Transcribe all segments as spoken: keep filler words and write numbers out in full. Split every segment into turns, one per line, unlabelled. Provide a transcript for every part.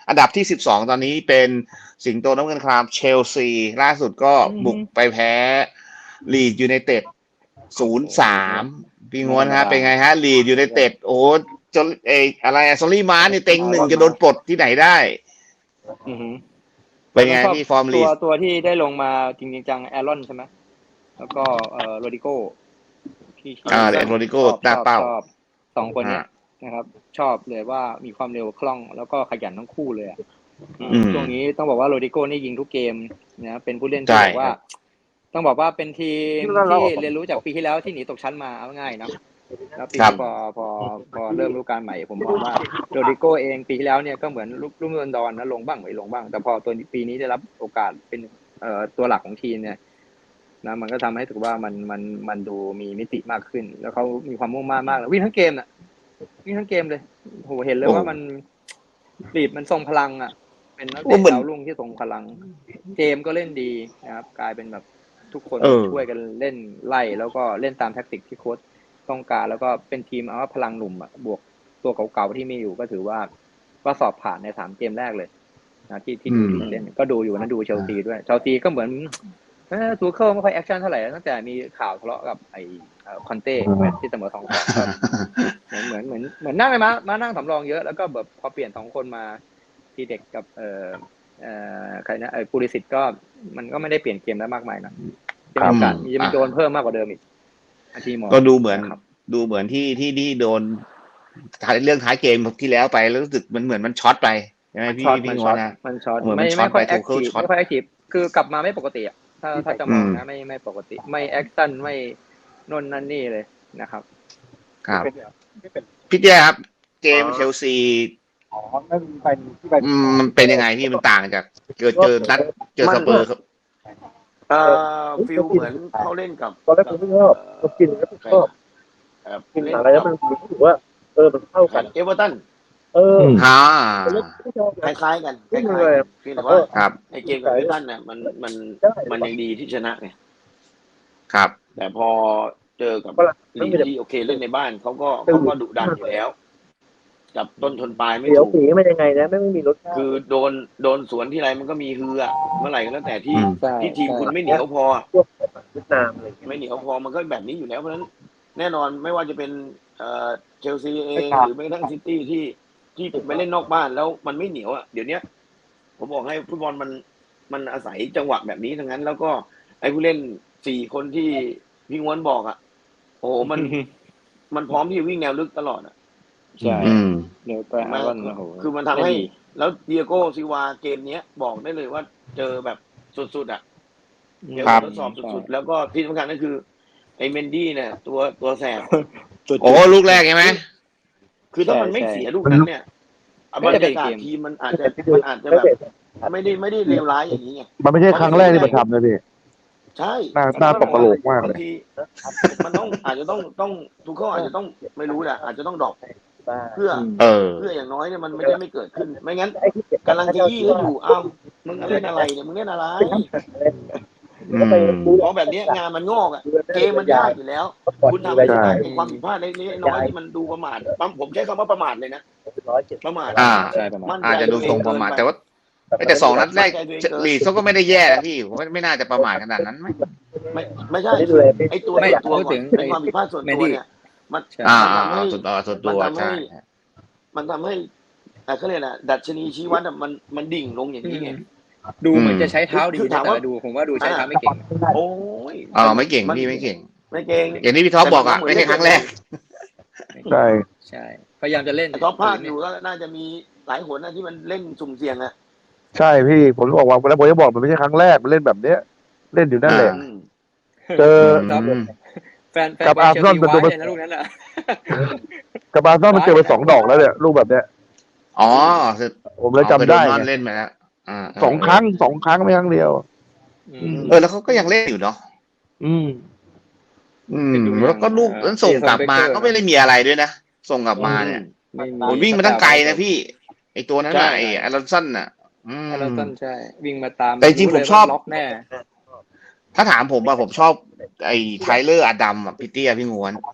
อันดับที่สิบสองตอนนี้เป็นสิงโตน้ำเงินครามเชลซีล่าสุดก็บุกไปแพ้ลีดยูไนเต็ดศูนย์สามพี่งวนฮะเป็นไงฮะลีดยูไนเต็ดโอ้จนเออะไรอะซอรี่มาร์นี่เต็งหนึ่งจะโดนปลดที่ไหนได้เป็นไงพี่ฟอร์มลี
ตั
ด
วตัวที่ได้ลงมาจริงๆจังแอรอนใช่ไหมแล้วก็เอ่อโรดิโก้ที่
อ่าโรดิโก้หน้าเป้า
สองคนเนี่ยนะครับชอบเลยว่ามีความเร็วคล่องแล้วก็ขยันทั้งคู่เลยอ่ะช่วงนี้ต้องบอกว่าโรดิโก้นี่ยิงทุกเกมนะเป็นผู้เล่นที่บอกว่าต้องบอกว่าเป็นทีมที่เรียนรู้จากปีที่แล้วที่หนีตกชั้นมาเอาง่ายเนาะแล้วปีนี้พอพอพอเริ่มฤดูกาลใหม่ผมมองว่าโรดิโก้เองปีที่แล้วเนี่ยก็เหมือนลุ่มดอนนะลงบ้างไม่ลงบ้างแต่พอตัวปีนี้ได้รับโอกาสเป็นเอ่อตัวหลักของทีมเนี่ยนะมันก็ทำให้ถือว่ามันมันมันดูมีมิติมากขึ้นแล้วเขามีความมุ่งมั่นมากเลยวิ่งทั้งเกมน่ะวิ่งทั้งเกมเลยโหเห็นเลยว่ามันบีบมันทรงพลังอ่ะเป็นนักเตะดาวรุ่งที่ทรงพลังเกมก็เล่นดีนะครับกลายเป็นแบบทุกคนช่วยกันเล่นไล่แล้วก็เล่นตามแทคติกที่โค้ชต้องการแล้วก็เป็นทีมเอาว่าพลังหนุ่มอ่ะบวกตัวเก่าๆที่มีอยู่ก็ถือว่าก็สอบผ่านในสามเกมแรกเลยนะที่ที่ดูเล่นก็ดูอยู่นะดูเชลซีด้วยเชลซีก็เหมือนเออทูเคิลไม่ค่อยแอคชั่นเท่าไหร่ตั้งแต่มีข่าวทะเลาะกับไอ้คอนเต้แมตช์ที่เสมอสองสองเหมือนเหมือนเหมือนนั่งเลยมามานั่งสำรองเยอะแล้วก็แบบพอเปลี่ยนสองคนมาทีเด็กกับเอ่อเอ่อใครนะไอ้ปูริสิตก็มันก็ไม่ได้เปลี่ยนเกมได้มากมายนะมีโอกาสมีจะโดนเพิ่มมากกว่าเดิมอีก
ก็ดูเหมือนดูเหมือนที่ที่ที่โดนเรื่องท้ายเกมที่แล้วไปแล้วรู้สึกมันเหมือนมันช็อตไปใช่ไหมพี่พี่งอนนะ
มันช็อตไม่ไม่ค่อยแอคทีฟไม่ค่อยแอคทีฟคือกลับมาไม่ปกติอ่ะถ้าถ้าจะมองนะไม่ไม่ปกติไม่แอคชั่นไม่นนนั่นนี่เลยนะครับ
ครับพี่แจ๊ครับเกมเชลซี
อ๋อนั่นเป็นที่ไป
มันเป็นยังไงพี่มันต่างจากเจอเจอนัดเจอสเปอร์ครับ
เอ่อฟิลเหมือนเขาเล่นกับ
ตอนแรกผมไม่ชอบก็กินแล้วก็ชอบกินอะไรแล้วมันรู้สึกว่าเออมันเข้ากัน
เอเวอร์ตัน
เออ
ฮ่า
คล้ายๆกันคล้ายๆเพียงแต่ว่าในเกมกับเอเวอร์ตันเนี่ยมันมันมันยังดีที่ชนะไง
ครับ
แต่พอเจอกับลีดที่โอเคเล่นในบ้านเขาก็เขาก็ดุดันอยู่แล้วจับต้นชนปลายไม่ถูก
สีไม่ยังไงนะไม่ไม่มีรส
คือโดนโดนสวนที่ไรมันก็มีฮืออะเมื่อไหร่ก็แล้วแต่ที่ที่ทีมคุณไม่เหนียวพอ
เวียดนามอะไร
ไม่เหนียวพอมันก็แบบนี้อยู่แล้วเพราะฉะนั้นแน่นอนไม่ว่าจะเป็นเอ่อเชลซีเองหรือแม้กระทั่งซิตี้ที่ที่ไปเล่นนอกบ้านแล้วมันไม่เหนียวอ่ะเดี๋ยวนี้ผมบอกให้ฟุตบอลมันมันอาศัยจังหวะแบบนี้ทั้งนั้นแล้วก็ไอ้ผู้เล่นสี่คนที่พี่ง้วนบอกอ่ะโอ้โหมันมันพร้อมที่จะวิ่งแนวลึกตลอดอ่ะ
ใช่เดี๋ยวไปอาวันโอ้โห
คือมันทำให้แล้วเดียโก้ซิวาเกมนี้บอกได้เลยว่าเจอแบบสุดๆอ่ะเดี๋ยวทดสอบสุดๆแล้วก็ที่สำคัญก็คือไอ้เมนดี้เนี่ยตัวตัวแสบ
โอ้ลูกแรกใช่ไหม
คือถ้ามันไม่เสียลูกนั้นเนี่ยบรรยากาศทีมมันอาจจะมันอาจจะแบบไม่ได้ไม่ได้เลวร้ายอย่างนี้ไง
มันไม่ใช่ครั้งแรกที่มันทำนะพี่
ใช่
หน้าหน้าตกกระโหลกมากเลย
มันต้องอาจจะต้องต้องทุกข้ออาจจะต้องไม่รู้แหละอาจจะต้องดรอปเพื่อเพื่ออย่างน้อยเนี่ยมันไม่ได้ไม่เกิดขึ้นไม่งั้นกำลังจะยี่ก็อยู่อ้าวมึงเล่นอะไรเนี่ยมึงเล่นอะไรเพราะแบบนี้งานมันงอกอ่ะเกมมันยากอยู่แล้วคุณทำให้ความผิดพลาดเล็กๆน้อยที่มันดูประมาทผมใช้คำว่าประมาทเลยนะประมาท
อ่าอาจจะดูทรงประมาทแต่ว่าแต่สองนัดแรกลีดเขาก็ไม่ได้แย่นะพี่ผมไม่ไม่น่าจะประมาทขนาดนั้นไหม
ไม่ไม่ใช่ไอ้ตัวไอ้ตัวก่อนเป็นความผิดพลาดส่วนตัวเนี่ยมัน
อ่า
ทำให้
ส่วนตัวส่วนตัวใช่
มันทำให้เขาเรียกนะดัชนีชี้วัดมันมันดิ่งลงอย่างนี้ไง
ดูเหมือนจะใช้เท้าดีแต่ดูผมว่าดูใช้เท้าไม่เก่ง
โอ้ย
อ๋อไม่เก่งพี่ไม่เก่ง
ไม่เก่ง
อย่างที่พี่ท็อปบอกอ่ะไม่ใช่ครั้งแรก
ใช่
ใช่พยายามจะเล่น
ท็อปภาคอยู่ก็น่าจะมีหลายหนนะที่มันเล่นสุ่มเสี่ยงอ่ะ
ใช่พี่ผมบอกว่าแล้วผมจะบอกมันไม่ใช่ครั้งแรกมันเล่นแบบเนี้ยเล่นอยู่นั่นแหละเจอ
แฟนกับอาร์เซนอลเป็นตัวนะลูกนั้นอ่ะ
กับอาร์เซนอลมันเจอไปสองดอกแล้วเนี่ยลูกแบบเนี้ย
อ๋อ
ผมเลยจำได้
เล่นมาแล้ว
สองครั้งสองครั้งไม่ครั้งเดียว
เออแล้วเขาก็ยังเล่นอยู่เนาะ
อืม
อืมแล้วก็ลูกนั้นส่งกลับมาก็ไม่ได้มีอะไรด้วยนะส่งกลับมาเนี่ยผมวิ่งมาตั้งไกลนะพี่ไอตัวนั้นน่ะไออารอนสันน่ะ
อารอนสันใช่วิ่งมาตาม
แต่จริงผมชอบ
ล็อกแน่
ถ้าถามผมว่าผมชอบไอ้ไทเลอร์อดัมอ่ะพี่เตี้ยพี่งวน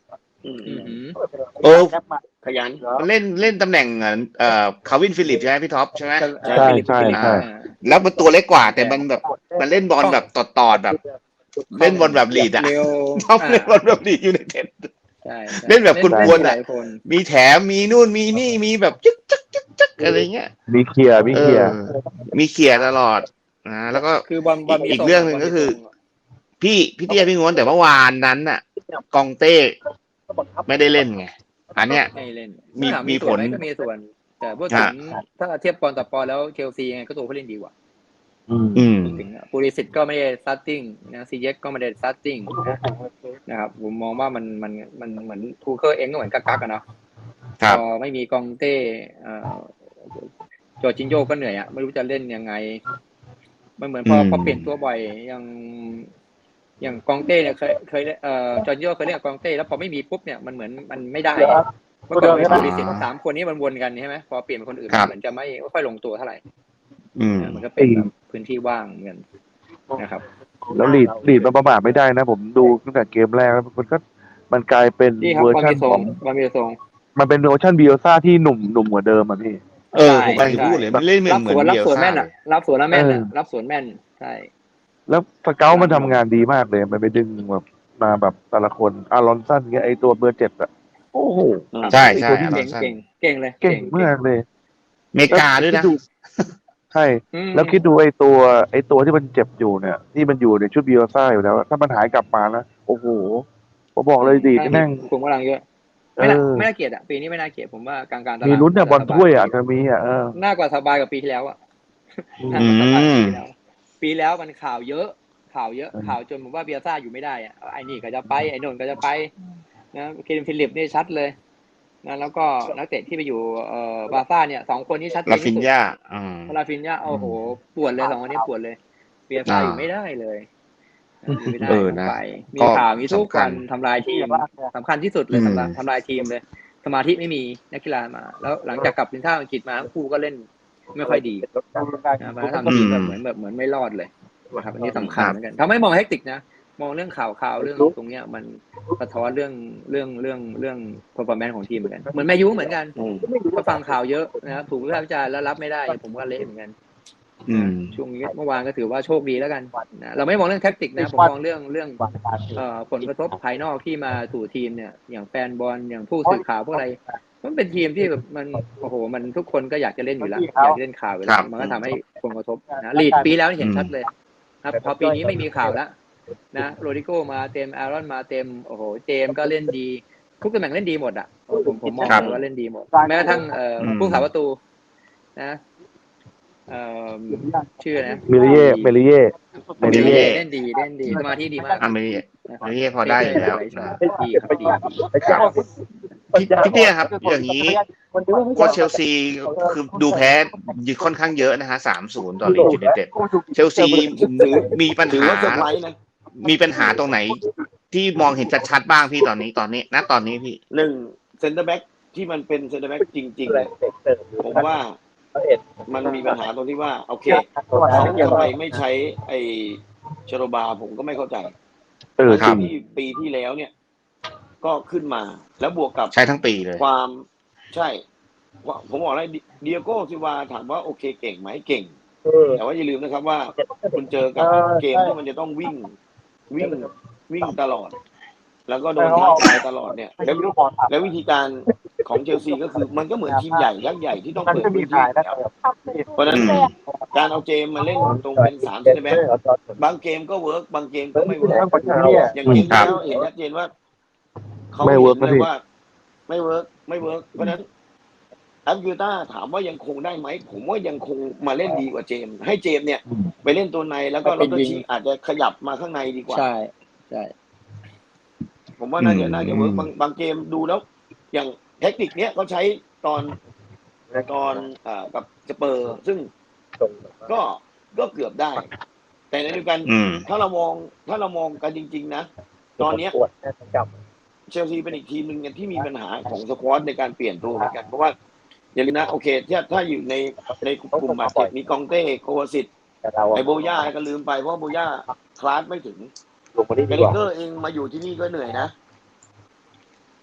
อืม
อือหือ
เออ
ขยัน
มันเล่นเล่นตำแหน่งเอ่อคาร์วินฟิลิปใช่ไหมพี่ท็อปใช่ไหม
ใช่
ใช่
ฟิลิป
ใช่
ฟิลิป
ใช่
อ่า
แล้วมันตัวเล็กกว่า แต่มันแบบมันเล่นบอลแบบตอดตอดๆแบบ เล่นบอลแบบลีดอะ
เร็ว
ท็อป
อ่า
เล่นบอลแบบลีดอยู่ในเต็ด
ใช่ใช่
เล่นแบบกวนๆ
ห
อะ
ลายคน
มีแถมมีนู่นมีนี่มีแบบจึ๊กจึ๊กจึ๊กจึ๊กอะไรเงี้ย
มีเคลียร์มี
เอ
เคลีย
อ
ร์
มีเขี่ยร์ตลอดนะแล้วก็
คือบอลบอลมี
อีก
ทรง
เรื่องหนึ่งก็คือ
บลมีทรง
พี่พี่เตี้ยพี่ง้วนแต่เมื่อวานนั้นน่ะ กองเต้ไม่ได้เล่นไงอันเนี้ย
ไม่เล่น
มี
ถา
มี
มี
ผ
ส่วน
ล
ไหมก็มีส่วน แต่พูดถึง
อ่า
ถ้าเทียบปอนต่อปอนแล้วเชลซียังไงก็ตัวผู้เล่นดีกว่า
อืม
อืม
พูดถึงปูริสิตก็ไม่ได้สตาร์ติ้งนะซีเย็กก็ไม่ได้สตาร์ติ้งนะครับผมมองว่ามันมันมันเหมือนทูเคอร์เองก็เหมือนกักกักอะเนาะ
ครั
พ
บ
อไม่มีกองเต้เอ่อจอร์จินโญ่ก็เหนื่อยอะไม่รู้จะเล่นยังไงมันเหมือนพอ
อืม
พอเปลี่ยนตัวบ่อยอย่างอย่างกองเต้เนี่ยเคยเคยเอ่อจอร์จินโญ่เคยเล่นกับกองเต้แล้วพอไม่มีปุ๊บเนี่ยมันเหมือนมันไม่ได้เมื่อก่อนเป็นปูริสิตสามคนนี้มันวนกันใช่ไหมพอเปลี่ยนเป็นคนอื่น
ครับ
เหมือนจะไม่ไม่ค่อยลงตัวเท่าไหร่
อืม
นะมันก็เป็นแบบพื้นที่ว่างเหมือนกันนะครับ
แล้วลีดลีดมันประมาทไม่ได้นะ ผมดูตั้งแต่เกมแรกแล้วมันก็มันกลายเป็น
นี่ครับ
เวอร์
บอล
ชัน
มีทร
ของ ง
บอลมีทรง
มันเป็นเวอร์ชันบิโอซ่าที่หนุ่มหนุ่มกว่าเดิมอ่ะพี่
เออผมกำลังจะพูดเลยมันเล่นเหมือ
รั
น
บ
เหมื
ส
อน
วนรับ
เบีย
สวน
ซ่า
แม่น
เล
อ่ะ
ย
รับสวนแล้วแม่นอ่ะ
เออ
รับสวนแม่นใช่
แล้วสเกลมันทำงานดีมากเลยมันไปดึงแบบมาแบบแต่ละคนอารอนสันเงี้ยไอตัวเบอร์เจ็ดอะโอ้โห
ใช่
ไอ้
ใช่
ตัวที่
อารอ
เก่
น
ง
สัน
เก่งเก่งเลย
เก่งมากเลย
อเมริกาด้วยนะ
แล้คิใช่
อืม
แล้วคิดดูไอ้ตัวไอ้ตัวที่มันเจ็บอยู่เนี่ย ที่มันอยู่ในชุดบิโอซ่าอยู่แล้ว ถ้ามันหายกลับมานะโอ้โหผมบอกเลยดีที่แม่ง
คุมกำลังเยอะ
เอ
ไม่น่า
อ
ไม่น่าเกลียดอ่ะปีนี้ไม่น่าเกลียดผมว่ากลางๆตาราง
มีลุ้นเนี่ยบอลถ้วยอ่ะจะมีอ่ะเออ
น่ากว่าสบายกว่าปีที่แล้วอ่ะ
อืม
น่ากว่าสบายกว่าปีที่แล้ว ปีแล้วมันข่าวเยอะ ข่าวเยอะ
อืม
ข่าวจนผมว่าเบียร์ซ่าอยู่ไม่ได้อ่ะไอ้นี่ก็จะไปไอ้โน่นก็จะไปนะเคนฟิลิปนี่ชัดเลยนะแล้วก็นักเตะที่ไปอยู่เอ่อบาร์ซ่าเนี่ยสองคนนี้ชัดเจ
ลาน ฟิ
ที่
น
สุด
ยาอืม
ลาฟินยาโอ้โหปวดเลยสองคนนี้ปวดเลยเบียร์ซ่า
อ่า
อยู่ไม่ได้เลยอยู่ไม่ได้
เออนะ
ไปมี
ก็
ข่าวมีทุก
สำคั
วั
ญ
นทำลายทีมสำคัญที่สุดเลย
อืม
ทำลายทำลายทีมเลย สมาธิไม่มีนักกีฬามา แล้วหลังจากกลับทีมชาติอังกฤษมาทั้งคู่ก็เล่นไม่ค่อยดีนะมาทำทีมแบบเหมือนแบบเหมือนไม่รอดเลยนะครับอันนี้สำคัญเหมือนกันทำให้มองเฮกติกนะมองเรื่องข่าวข่าวเรื่องตรงเนี้ยมันสะท้อนเรื่องเรื่องเรื่องเรื่อง performance ของทีมเหมือนกันเหมือนแมนยูเหมือนกัน
อืม
ก็ฟังข่าวเยอะนะครับถูกวิพากษ์วิจารณ์แล้วรับไม่ได้ผมก็เละเหมือนกัน
อืม
นะช่วงนี้เมื่อวานก็ถือว่าโชคดีแล้วกันนะเราไม่มองเรื่องแท็กติกนะผมมองเรื่องเรื่องเอ่อผลกระทบภายนอกที่มาสู่ทีมเนี่ยอย่างแฟนบอลอย่างผู้สื่อข่าวพวกอะไรมันเป็นทีมที่แบบมันโอ้โหมันทุกคนก็อยากจะเล่นอยู่แล้วอยากจะเล่นข่าวอยู่แล้
ครั
ว
บ
มันก็ทำให้ผลกระทบนะลีดปีแล้วเห็นชัดเลยครับพอปีนี้ไม่มีข่าวแล้วนะโรดิโก้มาเต็มอารอนมาเต็มโอ้โหเจมส์ก็เล่นดีทุกตำแหน่งเล่นดีหมดอ่ะผมผมมอง
ครับ
เลยว่าเล่นดีหมดแม้กระทั่งเอ่อ
อืม
ผู้สาประตูนะเอ่อชื่อนะ
เมลิเย่เมลิเย่
เมลิเย่
เล่นดีเล่นดีสมาธิดีมาก
อ่ะไม่ได้ไม่ได้พอได้อยู่แล้วนะ
ดีครับดีดี
ครับพี่พี่เตี้ยครับ อย่างนี้ก็เชลซีคือดูแพ้ค่อนข้างเยอะนะฮะสามศูนย์ต่อลีดยูไนเต็ดเชลซีมีปัญ
ถือ
หา
ว่าเซอร์ไพรส์นะ
มีปัญหาตรงไหน ที่มองเห็นชัดๆบ้างพี่ตอนนี้ตอนนี้ณตอนนี้พี่
หนึ่งเซนเตอร์แบ็กที่มันเป็นเซนเตอร์แบ็กจริงๆเนี่ยผมว่ามันมีปัญหาตรงที่ว่าโอเคเขาทำไมไม่ใช้ไอ้ชโรบาผมก็ไม่เข้าใจ
เออจริง
ที่ปีที่แล้วเนี่ย ก็ขึ้นมาแล้วบวกกับ
ใช้ทั้งปีเลย
ความใช่ว่าผมบอกเลยเดียโก้ซิวาถามว่าโอเคเก่งไหมเก่ง แต่ว่าอย่าลืมนะครับว่าคุณเจอกับเกมที่มันจะต้องวิ่งวิ่งวิ่งตลอด แล้วก็โดนท้าทายตลอดเนี่ยแล้วแล้ววิธีการของเชลซีก็คือมันก็เหมือนทีมใหญ่ยักษ์ใหญ่ที่ต้องเปิดพื้นที่อยู่แล้วเพราะฉะนั้น
อืม
การเอาเจมมาเล่นตรงเป็นสามเซนติเมตรบางเกมก็เวิร์กบางเกมก็ไม่เวิร์กอย่างเกมที่แล้วเห็นชัดเจนว่าเขา
ไม่
เห็
เวิร์ก
น
นะ
เล
พี่
ยว่า ไม่เวิร์กไม่เวิร์กเพราะฉะนั้นอัพยูต้าถามว่ายังคงได้ไหมผมว่ายังคงมาเล่นดีกว่าเจมส์ให้เจมส์เนี่ยไปเล่นตัวในแล้วก็ลอตชีอาจจะขยับมาข้างในดีกว่า
ใช่ใช่
ผมว่าน่าจะ
อืม
น่าจะเวิร์กบางบางเกมดูแล้ว อย่างเทคนิคเนี้ยเขาใช้ตอนตอนอ่ากับสเปอร์ ซึ่งก็ก็เกือบได้ แต่ในเดียวกัน
อืม
ถ้าเรามองถ้าเรามองกันจริง ๆ นะ ตอนเนี้ยเชลซีเป็นอีกทีมหนึ่งที่มีปัญหาของสควอตในการเปลี่ยนตัวเหมือนกันเพราะว่าอย่าลืมนะโอเคถ้าถ้าอยู่ในในกลุ่มบาดเจ็บมีกองเต้โควาซิตไอโบย่าก็ลืมไปเพราะว่าโบย่าคลาสไม่ถึง
ลงมาที่
แก
ดี
ลิ
กว่า
เกอร์เองมาอยู่ที่นี่ก็เหนื่อยนะ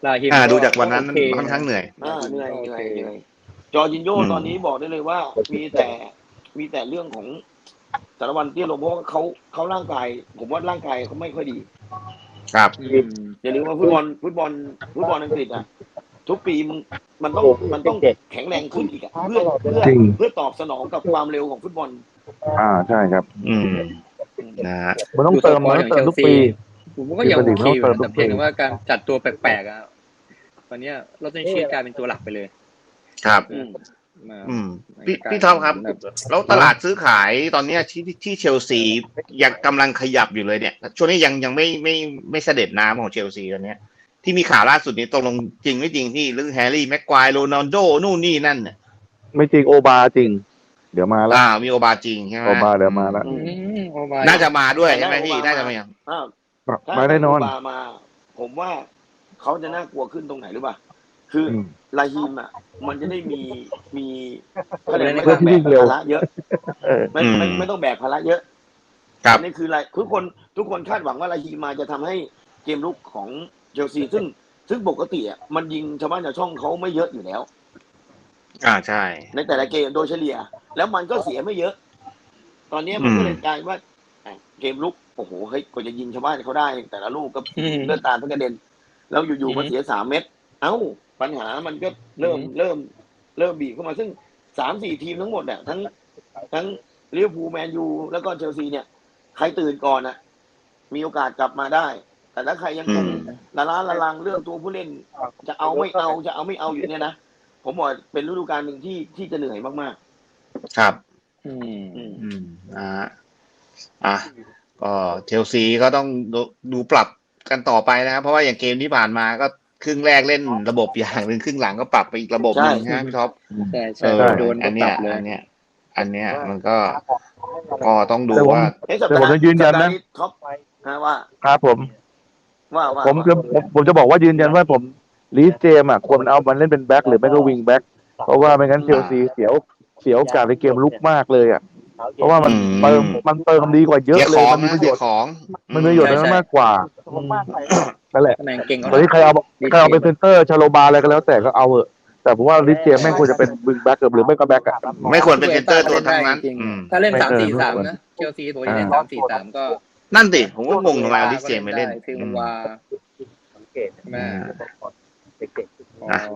ลาฮิม
อ่าดูจากวันนั้น
โอเค
ค่อนข้างเหนื่อย
อ่าเหนื่อยเหนื่อย
โอเค
เหนื่อยจอร์จินโญ่
อืม
ตอนนี้บอกได้เลยว่า มีแต่มีแต่เรื่องของสารวันเตี้ยลงเพราะว่าเขาเขาร่างกาย ผมว่าร่างกายเขาไม่ค่อยดี
ครับ
อืม
อย่าลืมว่าฟุตบอลฟุตบอลฟุตบอลอังกฤษอ่ะทุกปีมันมันต้องมันต้องแข็งแรงขึ้นอีกอะเพื่อเพื่อ
จริง
เพื่อตอบสนองกับความเร็วของฟุตบอล
อ่าใช่ครับ
อืมนะฮะ
มันต้องเติมมันต้องเติมทุกปี
ผมก็ยังโอเคอยู่
เติมทุ
แต่
กปี
เพียงแต่ว่าการจัดตัวแปลกๆอ่ะตอนเนี้ยเราต้องชี้กลายเป็นตัวหลักไปเลย
ครับ
อืม
มา
อืมพี่พี่ท็อปครับ แล้วตลาดซื้อขายตอนเนี้ยที่ที่เชลซียังกำลังขยับอยู่เลยเนี่ย ช่วงนี้ยังยังไม่ไม่ไม่เสด็จน้ำของเชลซีตอนเนี้ย ที่มีข่าวล่าสุดนี้ตกลงจริงไม่จริงที่เรื่องแฮร์รี่แม็กควายโรนัลโดนู่นนี่นั่นเนี่ย
ไม่จริงโอบาจริง เดี๋ยวมาแล้ว
อ่ามีโอบาจริงใช่ไหม
โอบาเดี๋ยวมาแล้ว
อืมโอ้บาย
น่าจะมาด้วยใช่ไหม
แต่
พี่
ได้
น่า
โอบา
จะมา
อ้าว ถ้า
มาแน่นอน
โบามา ผมว่าเขาจะน่ากลัวขึ้นตรงไหนหรือเปล่า คืออ
อืม
ลาฮิมอ่ะ มันจะได้มีมีเขาเรียก
เพื่
ว่า
อนที่
แบ
วิ่
ก
งเร็ว
ภาระเยอะ
เออ
ไม่ไม่ไม่ต้องแบกภาระเยอะ
ครับ
อันนี้คืออะไรทุกคนทุกคนคาดหวังว่าลาฮีมมาจะทำให้เกมลุกของเชลซีซึ่งซึ่งปกติอ่ะมันยิงชาวบ้านชาวช่องเขาไม่เยอะอยู่แล้ว
อ่าใช่
ในแต่ละเกมโดยเฉลี่ย แล้วมันก็เสียไม่เยอะ ตอนนี้มันก็เลยกลายว่าอ่ะเกมลุกโอ้โหเฮ้ยกว่าจะยิงชาวบ้านเขาได้ แต่ละลูกก็
อืม
เลือดตาลทั้งกระเด็น แล้วอยู่ๆมาเสียสามเม็ดเอ้า ปัญหามันก็เริ่ม
อืม
เริ่ม เริ่มบีบเข้ามาซึ่งสามสี่ทีมทั้งหมดอ่ะทั้งทั้งลิเวอร์พูลแมนยูแล้วก็เชลซีเนี่ย ใครตื่นก่อนอ่ะ มีโอกาสกลับมาได้ แต่ถ้าใครยังคง
อืม
ละล้าละลังเรื่องตัวผู้เล่น จะเอาไม่เอาจะเอาไม่เอาอยู่เนี่ยนะผมบอกเป็นฤดูกาลหนึ่งที่ที่จะเหนื่อยมาก
ครับ
อืม
ๆ อืม
อืมอ่าอ่ะก็เชลซีก็ต้องดูดูปรับกันต่อไปนะครับ เพราะว่าอย่างเกมที่ผ่านมาก็ครึ่งแรกเล่นระบบอย่างหนึ่งครึ่งหลังก็ปรับไปอีกระบบหนึ่ง
ใช่
นะพี่ท็อป
ใช่
เอ
ใช่
อ
โดน
อั
ก็
น
ป
เนี้
รั
ย
บเลย
อันเนี้ย อันเนี้ยมันก็ก็ต้องดู
แต่ผม
ว่า
เอ้ยสัป
แต่
ดา
ผม
ห์
จะยืนยัน
สัปดา
นะ
ห์นี้ท็อปนะว่า
ครับผม
ว่าว่า
ผมจะผมผมจะบอกว่ายืนยันว่าผมลีสเจมส์อ่ะควรเอามันเล่นเป็นแบ็คหรือไม่ก็วิงแบ็คเพราะว่าไม่งั้นเชลซีเสียวเสียโอกาสในเกมลุกมากเลยอ่ะเพราะว่ามัน
อืม
เติมมันเติมดีกว่าเยอะ
เสีย
เล
ข
ย
อง
มันมี
นะ
ประโย
เสีย
ชน์
ของ
มันมีประโยชน์
ใช่
นั้น
ใช่
มากกว่านั่นแหละ
ตำแหน่งเก่ง
ตอนนี้ใครเอาใครเอาเป็นเซนเตอร์ชาโลบาอะไรก็แล้วแต่ก็เอาเถอะแต่ผมว่าลิสเจมส์แม่งควรจะเป็นวิงแบ็คหรือไม่ก็แบ็คอ่ะ
ไม่ควรเป็นเซนเตอร์ตัวทั้งนั้น
จริง
อืม
ถ้าเล่น
ไม่
สาม
เออ
สี่
ไม่
สาม
ควร
นะเชลซีตัวที่เล่น
อ่า
สามสี่สามก็
นั่นดิผมก็งงทำไมเอาลิสเจมส์ไปเล่น
คือมันว่าใช่ไหม
อ่ะ